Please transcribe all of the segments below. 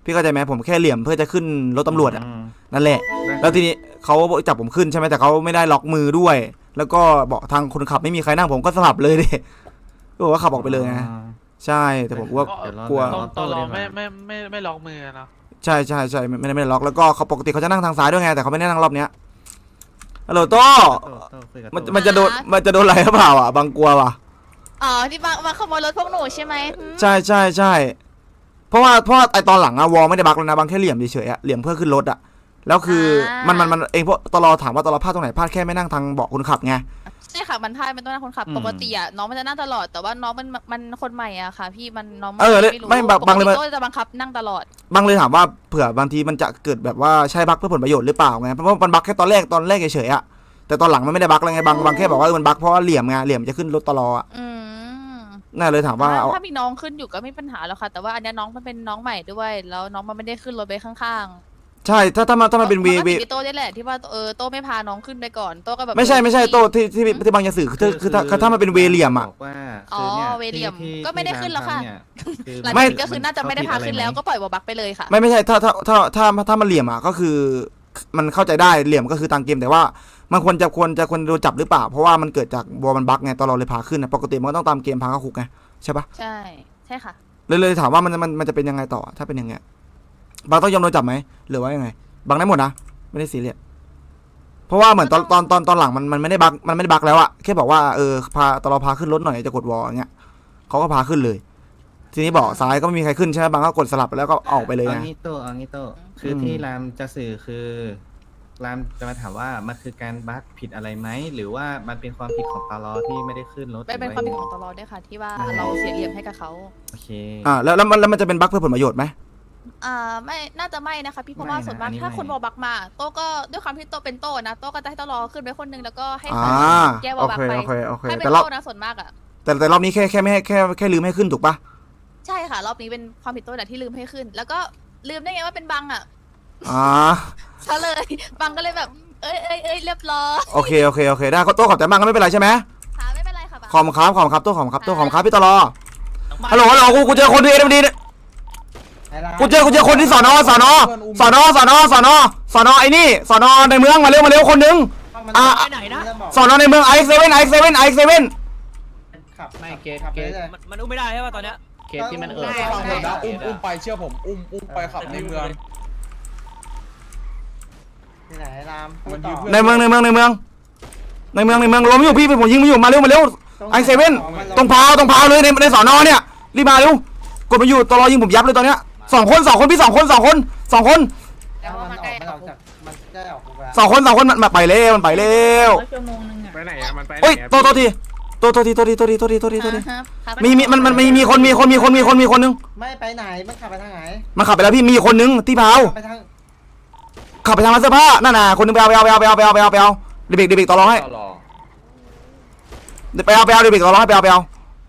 พี่เข้าใจไหมผมแค่เหลี่ยมเพื่อจะขึ้นรถตำรวจอ่ะนั่นแหละแล้วทีนี้เขาจับผมขึ้นใช่ไหมแต่เขาไม่ได้ล็อกมือด้วยแล้วก็บอกทางคนขับไม่มีใครนั่งผมก็สลับเลยดิก็บอกว่าขับออกไปเลยไงใช่แต่ผมว่ากลัวตลอไม่ล็อกมือเนาะใช่ไม่ได้ล็อกแล้วก็เขาปกติเขาจะนั่งทางซ้ายด้วยไงแต่เขาไม่ได้นั่งรอบเนี้ยฮัลโหลโต้มันจะโดนอะไรหรือเปล่าอ่ะบางกลัวว่ะอ๋อที่มาขโมยรถพวกหนูใช่ไหมใช่เพราะว่าไอตอนหลังอะวอลไม่ได้บักแล้วนะบางแค่เหลี่ยมเฉยๆอะเหลี่ยมเพื่อขึ้นรถอะแล้วคือมันเองพวกตลอถามว่าตลอพลาดตรงไหนพลาดแค่ไม่นั่งทางเบาะคนขับไงใช่ค่ะมันพลาดมันต้องนั่งคนขับปกติอะน้องมันจะนั่งตลอดแต่ว่าน้องมันคนใหม่อะค่ะพี่มันน้องไม่บางเลยก็จะบังคับนั่งตลอดบางเลยถามว่าเผื่อบางทีมันจะเกิดแบบว่าใช่บักเพื่อผลประโยชน์หรือเปล่าไงเพราะว่ามันบักแค่ตอนแรกเฉยๆอะแต่ตอนหลังมันไม่ได้บักแล้วไงบางแค่บอกว่ามันบักเพราะว่าเหลี่ยมไงเหลี่ยมจะขึ้นรถตลอดน่าเลยถามว่าถ้ามีน้องขึ้นอยู่ก็ไม่ปัญหาแล้วค่ะแต่ว่าอันนี้น้องมันเป็นน้องใหม่ด้วยแล้วน้องมันไม่ได้ขึ้นรถไปข้างๆใช่ถ้ามันเป็นเวโต้ได้แหละที่ว่าโต้ไม่พาน้องขึ้นไปก่อนโต้ก็แบบไม่ใช่โต้ที่บางจะสื่อคือถ้ามันเป็นเวเหลี่ยมอ่ะอ๋อเวเหลี่ยมก็ไม่ได้ขึ้นแล้วค่ะไม่ก็คือน่าจะไม่ได้พาขึ้นแล้วก็ปล่อยบักไปเลยค่ะไม่ใช่ถ้ามันเหลี่ยมอ่ะก็คือมันเข้าใจได้เหลี่ยมก็คือตามเกมแต่ว่ามันควรโดนจับหรือเปล่าเพราะว่ามันเกิดจากวอลมันบักไงตอนเราเลยพาขึ้นนะปกติมันก็ต้องตามเกมพาเข้าคุกไงใช่ปะใช่ค่ะเลยถามว่ามันจะเป็นยังไงต่อถ้าเป็นอย่างเงี้ยบางต้องยอมโดนจับไหมหรือว่ายังไงบางได้หมดนะไม่ได้ซีเรียสเพราะว่าเหมือนตอนหลังมันไม่ได้บักแล้วอะแค่บอกว่าพาตอนเราพาขึ้นรถหน่อยจะกดวอลอย่างเงี้ยเขาก็พาขึ้นเลยทีนี้บอกซ้ายก็ไม่มีใครขึ้นใช่ไหมบางก็กดสลับแล้วก็ออกไปเลยเอางี้โตคือที่รามจะสื่อคือรามจะมาถามว่ามันคือการบั๊กผิดอะไรไหมหรือว่ามันเป็นความผิดของตลอที่ไม่ได้ขึ้นรถเป็นความผิดของตลอด้วยค่ะที่ว่าเราเสียเหลี่ยมให้กับเขาโอเคแล้วมันจะเป็นบั๊กเพื่อผลประโยชน์ไหมไม่น่าจะไม่นะคะพี่เพราะว่าส่วนมากถ้าคนวอลบักมาโต้ก็ด้วยความที่โต้เป็นโต้นะโต้ก็จะให้ตลอขึ้นไปคนนึงแล้วก็ให้แก้วอลบักไปให้เป็นโต้นะส่วนมากอะแต่รอบนี้แค่ไม่ให้แค่ลืมให้ขึ้นถูกปะใช่ค่ะรอบนี้เป็นความผิดโต้แหละที่ลืมให้ขึ้นแล้วก็ลืมได้ไงว่าเป็นบังอะซะเลยบังก็เลยแบบเอ้ยเรียบร้อยโอเคได้โต้ขอบใจมากก็ไม่เป็นไรใช่ไหมค่ะไม่เป็นไรค่ะขอบคุณครับโต้ขอบคุณครับพี่ตลอฮัลโหลกูเจอคนดีกูเจอคนที่สอนอไอ้นี่สอนอในเมืองมาเร็วคนนึงสอนอในเมืองไอเซเว่นไม่เกตมันอุ้มไม่ได้ใช่ป่ะตอนเนี้ยเคสที่มันอุ้มไปเชื่อผมอุ้มไปขับในเมืองที่ไหนรามในเมืองล้มอยู่พี่ผมยิงไม่อยู่มาเร็วไอเซเว่นตรงพาวเลยในสอนอเนี่ยรีบมาเร็วกดมาอยู่ตลอยิงผมยับเลยตอนเนี้ยสองคนพี่สองคน2 คนแล้วมันมันไปเร็วชั่วโมงนึงไปไหนอะมันไปโอ้ยโทษทีมีคนนึงไม่ไปไหนมันขับไปทางไหนมันขับไปแล้วพี่มีคนนึงที่พาวขับไปทางร้านเสื้อผ้านั่นน่ะคนนึงไปเอาเด็กต่อรองให้ไปเอาเด็กต่อรองให้ไปเอาปล่อย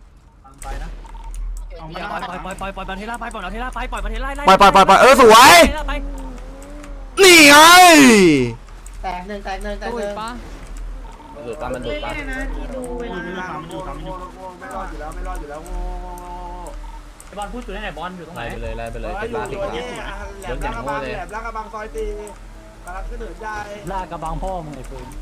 ประเทศไปปล่อยประเทศไปปล่อยประเทศไล่สวยนี่ไงแตกหนึ่งดูดปะมันดูดปะที่ดูเวลาไม่รอดอยู่แล้วบอลพูดอยู่ไหนบอลอยู่ตรงไหนไปเลยเป็นลาติกเดินอย่างโง่เลยลากระบังซอยตีกำลังขึ้นเหินใหญ่ลากระบังพ่อมึงไอ้ปืน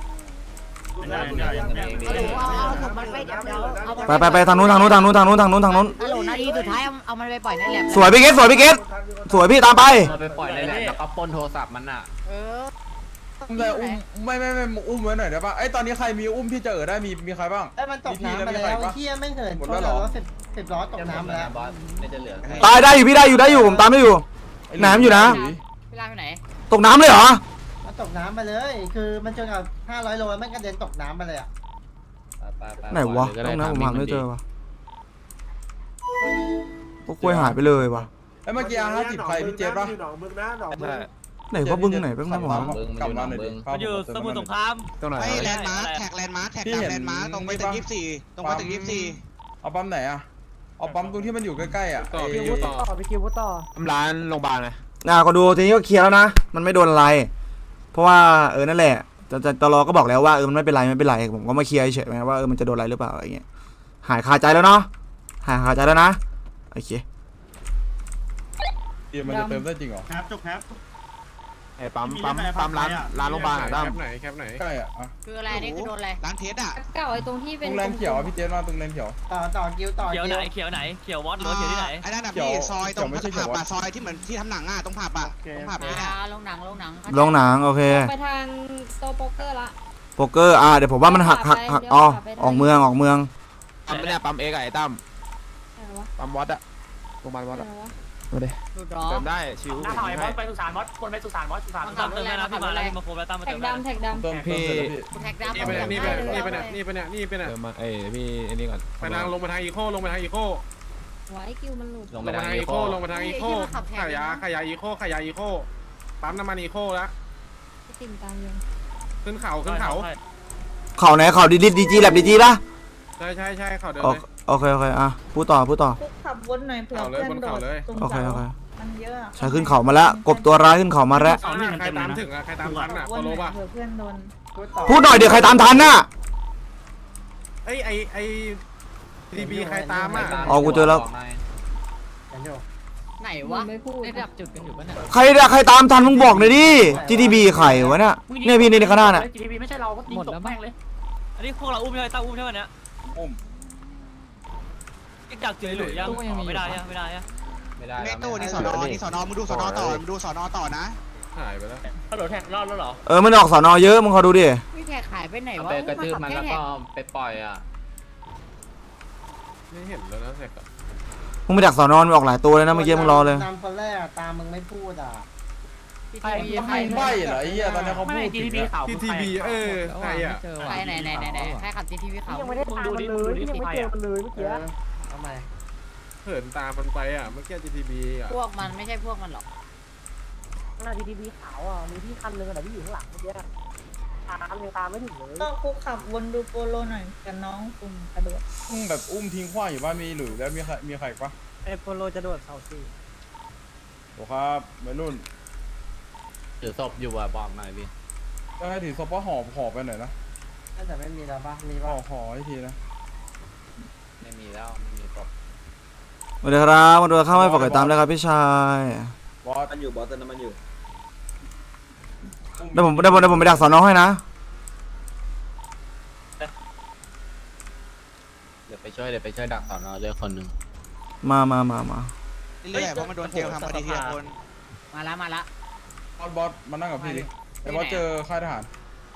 ไปทางนู้นฮัลโหลนาทีสุดท้ายเอามันไปปล่อยในแลบสวยพี่เกตสวยพี่ตามไปปล่อยในแลบแล้วก็ปนโทรศัพท์มันอ่ะเลยไม่อุ้มไว้หน่อยได้ป่ะไอ้ตอนนี้ใครมีอุ้มที่จะได้มีใครบ้างมันตกน้ำมาแล้วเฮียไม่เหินหมดแล้วเหรอ10 ล้อตกน้ำแล้วตายได้อยู่พี่ได้อยู่ผมตามได้อยู่น้ำอยู่นะเวลาไปไหนตกน้ำเลยเหรอมันตกน้ำไปเลยคือมันจนกับ500 โลมันกระเด็นตกน้ำไปเลยอ่ะไหนวะตรงนั้นผมหาไม่เจอวะพวกกล้วยหายไปเลยวะไอ้เมื่อกี้50ใครพี่เจฟป่ะไหนว่าบึ้งไหนบ้างนะหมอกลับมาหน่อยดิมันอยู่สมุทรสงครามตรงไหนแลนด์มาร์คแท็กแลนด์มาร์คตรงไปถึง24ตรงไปถึง24 เอาปั๊มไหนอะเอาปั๊มตรงที่มันอยู่ใกล้ๆอะพี่คิวต่อร้านโรงพยาบาลนะก็ดูทีนี้ก็เคลียร์แล้วนะมันไม่โดนอะไรเพราะว่านั่นแหละตลอก็บอกแล้วว่ามันไม่เป็นไรผมก็มาเคลียร์เฉยๆว่ามันจะโดนอะไรหรือเปล่าอะไรเงี้ยหายคาใจแล้วเนาะหายคาใจแล้วนะโอเคมันจะเติมได้จริงเหรอครับจบครับไอ้ปั๊มร้านโรงพยาบาลอะตั้มแคปไหนใช่อ่ะคืออะไรนี่คือโดนอะไรร้านเทสอ่ะเก่าไอ้ตรงที่ตเป็นรงแลนเขียวพี่เจนมาตรงแลนเขียวต่อกิ้วต่อเขียวกิ้ไหนวเขียวไหนเขียววอตหรือเขียวที่ไหนไอ้นั่นน่ะเขียวพี่ซอยตรงเขียวไม่ใช่เขีผัยวบวัอะดซอยที่เหมือนที่ทำหนังอ่ะตรงผับอ่ะตรงผับนี่แหละลงหนังลงหนังโอเคไปทางโตโป๊กเกอร์ละโป๊กเกอร์เดี๋ยวผมว่ามันหักอ๋อออกเมืองปั๊มเนี่ยปั๊มเอกไอ้ตั้มปั๊มวัดอะโรงพยาบาลวัดอะมาดิเติมได้ชิวหน้าถอยบอสไปสุสานบอสคนไปสุสานบอสสุสานตั้มเติมได้นะพี่มาแล้วพี่มาโคแล้วตั้มมาแท็เติกมได้ดำแท็กดำเติมพี่แท็กดำนี่ไปเนี่ยพี่ไอ้นี่ก่อนไปทางลงมาทางอีโคลงมาทางอีโคไว้คิวมันหลุดลงลไปงมาทางทางอีอีโคโคลงมาทางอีโคขายาอีโคขายาอีโคปั๊มน้ำมันอีโคแล้วติ่มตามยังขึ้นเขาเขาไหนเขาดีจีแลบดีจีป่ะใช่เขาเดินโอเลยโอเคพูดต่อขับวนหน่อยเผื่อเขาเลยเพื่อนบนโดเขาดเลยตรงโอเคเสามันเยอะใช้ขึ้นเขามาแล้วกบตัวร้ายขึ้นเขามาแล้วใครตามถึงอะใครตามทันอะวโคน โลหน่อยป่ะเผื่อเพื่อนโดนพูดหน่อยเดี๋ยวใครตามทันน่ะไอ้ทีบีใครตามอะอ๋อกูเจอแล้วไหนวะไม่พูดระดับจุดกันอยู่ปะเนี่ยใครตามทันมึงบอกหน่อยดิ GTB ไข่วะเนี่ยเนี่ยพี่ในข้างหน้าน่ะจีทีไม่ใช่เราก็ยิงตกแม่งเลยอันนี้พวกเราอุ้มใช่ไหมตั้มอุ้มใช่ไหมเนี่ยอุ้มจักเจอหรือยังไม่ได้ยังไม่ได้เมตู้นี่สอนอมึงดูสอนอต่อมึงดูสอนอต่อนะหายไปแล้วเขาโดดแท็กรอดแล้วเหรอมันออกสอนอเยอะมึงขอดูดิพี่แท็กหายไปไหนวะไปกระทืบมันแล้วก็ไปปล่อยอ่ะไม่เห็นแล้วนะแท็กมึงไปดักสอนอมันออกหลายตัวเลยนะเมื่อกี้มึงรอเลยตามคนแรกตามมึงไม่พูดอ่ะใครใบเหรอไอ้เหี้ยตอนนี้เขาไม่พูดจีถึทีงพีอะขาวที่ทีบีใครอะใครไหนใครขับ GTV เขายังไม่ได้ดูดิดูดิใครอ่ะทำไมเหินตามมันไปอะเมื่อกี้ GTB อะพวกมันไม่ใช่พวกมันหรอกต้องคุกขับวนดูโปโลหน่อยกับน้องกลุ่มกระโดดแบบอุ้มทิ้งขว้างอยู่บ้านมีหรือแล้วมีใครปะไอโปโลจะโดดเสาสี่โอ้ครับวัยรุ่นถือศพอยู่อ่ะบอกหน่อยพี่ก็ให้ถือซอปเปอร์หอบไปหน่อยนะน่าจะไม่มีแล้วปะมีห่อให้ทีนะไม่มีแล้วไม่มีศพสวัสดีครับมาดูข้าวไม่ฝากติดตามเลยครับพี่ชายบอสมันอยู่บอสเติมน้ำมันอยู่เดี๋ยวผมไปดักสอนอให้นะเดี๋ยวไปช่วยดักสอนอด้วยคนหนึ่งมาเรื่อยๆเพราะมันโดนเจลทำพอดีทีละคนมาละบอสมานั่งกับพี่ดิไอ้บอสเจอค่ายทหาร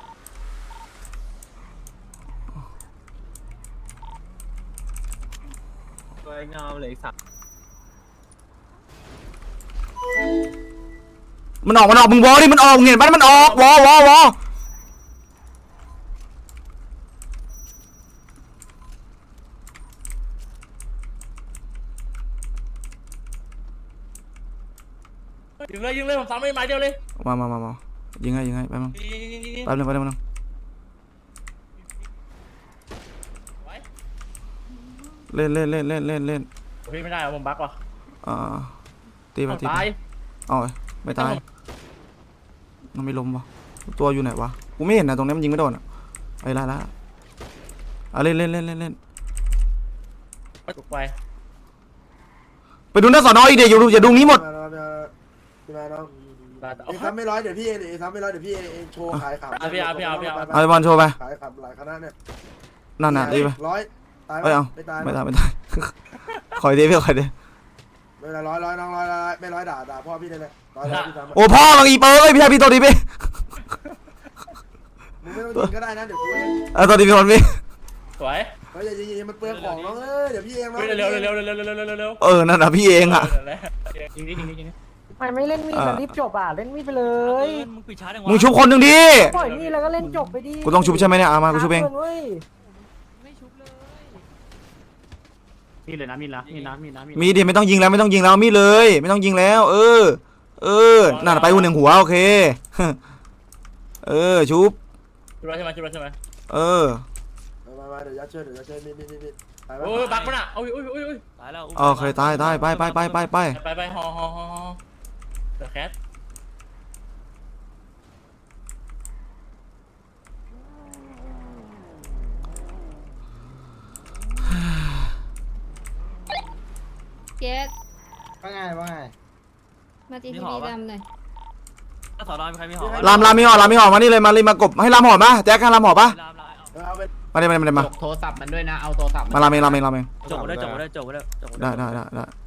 สวยงามเลยสัตว์มันออกมึงวอดิมันออกเห็นปะมันออกวอยิงเลยผมซ้ำไม่ไม้เดียวเลยมายิงให้แป๊บนึงเล่นพี่ไม่ได้ผมบั๊กว่ะตีไปตายเอาไม่ตายมันไม่ล้มวะตัวอยู่ไหนวะกูไม่เห็นนะตรงนี้มันยิงไม่โดนอ่ะไอ้ละเล่นถูกไปไปดูหน้าสอนออีกเดี๋ยวอย่าดูนี้หมดทำไม่ร้อยเดี๋ยวพี่ทำไม่ร้อยเดี๋ยวพี่โชว์ขายขับพี่เอาเอาบอลโชว์ไปขายขับหลายคณะเนี่ยนั่นน่ะดีไปร้อยตายเอาไม่ตายไม่ตาย คอยดีพี่คอยดีไม่เป็นไรร้อยน้องร้อยไม่ร้อยด่าพ่อพี่ได้เลยร้อยพี่ทำโอ้พ่อบางอีเปอร์พี่ชายพี่ตัวดีพี่มึงไม่ต้องยิงก็ได้นะเดี๋ยวกูเองตัวดีพี่คนพี่สวยเฮ้ยอย่ายิงมันเปลืองของน้องเดี๋ยวพี่เองเร็วนั่นน่ะพี่เองอ่ะยิงดิไม่เล่นมีดมันรีบจบอ่ะเล่นมีดไปเลยมึงปิดช้าจังวะมึงชุบคนหนึ่งดิปล่อยมีดแล้วก็เล่นจบไปดิกูต้องชุบใช่ไหมเนี่ยมากูชุบเองมีเลยนะมีนะมีดิไม่ต้องยิงแล้วมีเลย ไม่ต้องยิงแล้ว เออนั่นไปหัวหนึ่งหัวโอเคชุบใช่ไหมมาเดี๋ยวยัดเชือกมีโอ้ยบักมันอ่ะโอ้ยตายแล้วโอเคตายไปฮอเดอะแคทเจ๊ว่าไงมาจีพีดำหน่อยสอนอมีใครมีหอรามมีห่อมานี่เลยมากบให้รามห่อมาแจ็คให้รามห่อปะมาดิมาโทรศัพท์มันด้วยนะเอาโทรศัพท์รามเองจบได้ได้